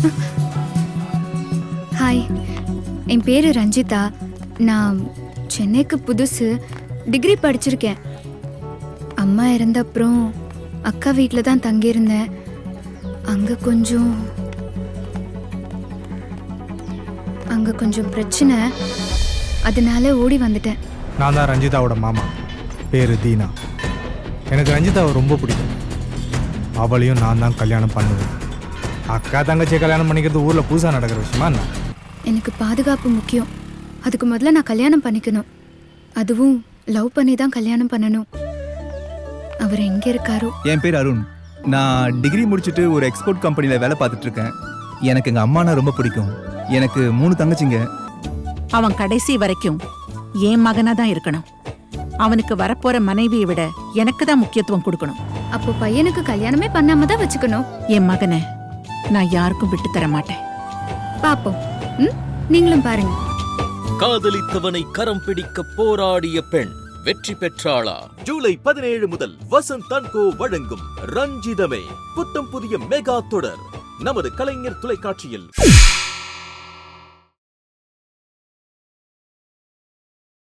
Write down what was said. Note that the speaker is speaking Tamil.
ஹாய், என் பேரு ரஞ்சிதா. நான் சென்னைக்கு புதுசு. டிகிரி படிச்சிருக்கேன். அம்மா இறந்த அப்புறம் அக்கா வீட்டில் தான் தங்கியிருந்தேன். அங்கே கொஞ்சம் பிரச்சனை, அதனால ஓடி வந்துட்டேன். நான் தான் ரஞ்சிதாவோட மாமா, பேரு தீனா. எனக்கு ரஞ்சிதாவை ரொம்ப பிடிக்கும். அவளையும் நான் தான் கல்யாணம் பண்ணுவேன். அக்கா தங்கச்சியை கல்யாணம் பண்ணிக்கிறது ஊரில் புதுசாக நடக்கிற விஷயமா என்ன? எனக்கு பாதுகாப்பு முக்கியம். அதுக்கு முதல்ல நான் கல்யாணம் பண்ணிக்கணும். அதுவும் லவ் பண்ணி தான் கல்யாணம் பண்ணணும். அவர் எங்கே இருக்காரோ? என் பேர் அருண். நான் டிகிரி முடிச்சுட்டு ஒரு எக்ஸ்போர்ட் கம்பெனியில் வேலை பார்த்துட்டு இருக்கேன். எனக்கு எங்கள் அம்மானா ரொம்ப பிடிக்கும். எனக்கு 3 தங்கச்சிங்க. அவன் கடைசி வரைக்கும் என் மகனா தான் இருக்கணும். அவனுக்கு வரப்போற மனைவியை விட எனக்கு தான் முக்கியத்துவம் கொடுக்கணும். அப்போ பையனுக்கு கல்யாணமே பண்ணாம தான் வச்சுக்கணும். என் மகனை நான் யாருக்கும் விட்டு தர மாட்டேன். பாப்போம். நீங்களும் பாருங்க. காதலித்தவனை கரம் பிடிக்க போராடிய பெண் வெற்றி பெற்றாளா? ஜூலை 17 முதல் வசந்த் அண்ட் கோ வழங்கும் ரஞ்சிதமே புத்தம் புதிய மெகா தொடர் நமது கலைஞர் தொலைக்காட்சியில்.